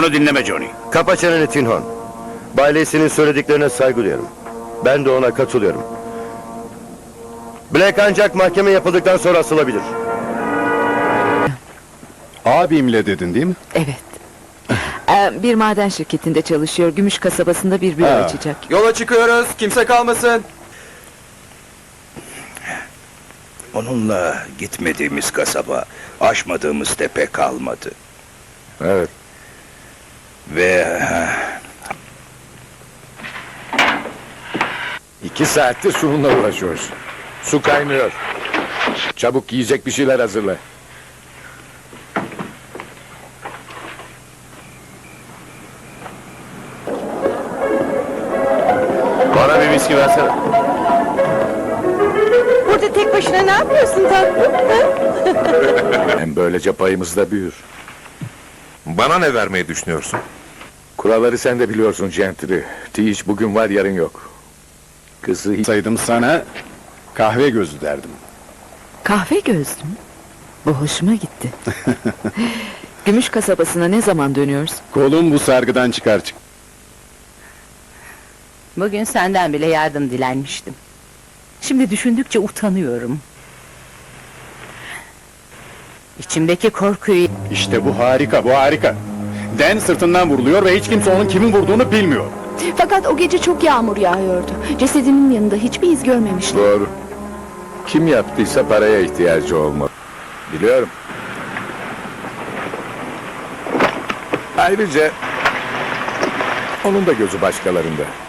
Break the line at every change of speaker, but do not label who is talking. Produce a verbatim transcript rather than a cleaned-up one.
Onu dinleme Johnny.
Kapa çeneni Tinhon. Bay Lacey'nin söylediklerine saygı duyuyorum. Ben de ona katılıyorum. Black ancak mahkeme yapıldıktan sonra asılabilir.
Abimle dedin değil mi?
Evet. Ee, bir maden şirketinde çalışıyor. Gümüş kasabasında bir büro
Ha.
açacak.
Yola çıkıyoruz. Kimse kalmasın.
Onunla gitmediğimiz kasaba, aşmadığımız tepe kalmadı.
Evet.
Ve
İki saattir sorunla uğraşıyoruz. Su kaynıyor. Çabuk yiyecek bir şeyler hazırla.
Bana bir viski versene.
Burada tek başına ne yapıyorsun tatlım?
Hem böylece payımız da büyür.
Bana ne vermeyi düşünüyorsun?
Kuralları sen de biliyorsun Gentry. Tiiş bugün var yarın yok. Kızı hiç...
Saydım sana kahve gözü derdim.
Kahve gözlüm. Bu hoşuma gitti. Gümüş kasabasına ne zaman dönüyoruz?
Kolum bu sargıdan çıkar çık.
Bugün senden bile yardım dilenmiştim. Şimdi düşündükçe utanıyorum. İçimdeki korkuyu...
İşte bu harika, bu harika. Den sırtından vuruluyor ve hiç kimse onun kimin vurduğunu bilmiyor.
Fakat o gece çok yağmur yağıyordu. Cesedinin yanında hiçbir iz görmemiştim.
Doğru. Kim yaptıysa paraya ihtiyacı olmalı. Biliyorum. Ayrıca... onun da gözü başkalarında.